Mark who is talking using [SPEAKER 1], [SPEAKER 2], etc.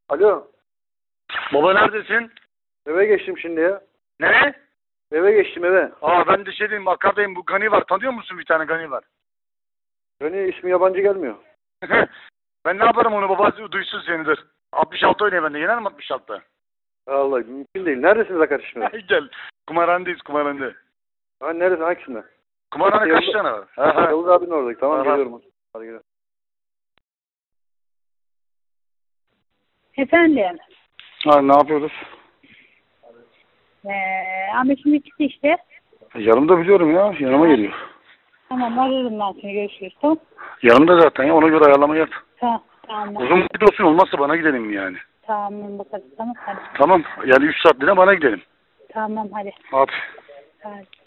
[SPEAKER 1] Alo.
[SPEAKER 2] Baba neredesin?
[SPEAKER 1] Eve geçtim şimdi ya.
[SPEAKER 2] Ne?
[SPEAKER 1] Eve geçtim eve.
[SPEAKER 2] Ben de şey diyeyim, Akka'dayım. Bu Gani var. Tanıyor musun bir tane Gani var?
[SPEAKER 1] Beni ismi yabancı gelmiyor.
[SPEAKER 2] Ben ne yaparım onu, baba duysun senidir. 66 oynuyor bende. Yener mi 66'da?
[SPEAKER 1] Vallahi mümkün değil. Neredesiniz arkadaş şimdi?
[SPEAKER 2] Gel. Kumarhanedeyiz, kumarhanede.
[SPEAKER 1] Ha neresi? Hangisinde?
[SPEAKER 2] Kumarhane kaç tane var?
[SPEAKER 1] Yavuz abinin oradaki. Tamam geliyorum. Hadi gidelim.
[SPEAKER 3] Efendim.
[SPEAKER 2] Ne yapıyoruz?
[SPEAKER 3] Ahmet şimdi çıktı işte.
[SPEAKER 2] Yanımda biliyorum ya. Yanıma geliyor.
[SPEAKER 3] Tamam ararım ben seni, görüşürüz. Tamam.
[SPEAKER 2] Yanımda zaten ya. Ona göre ayarlama yap.
[SPEAKER 3] Tamam.
[SPEAKER 2] Uzun vakit olsun, olmazsa bana gidelim yani.
[SPEAKER 3] Tamam bakalım. Tamam hadi.
[SPEAKER 2] Tamam. Yani 3 saatliğine bana gidelim.
[SPEAKER 3] Tamam hadi.
[SPEAKER 2] Hadi.
[SPEAKER 3] Hadi.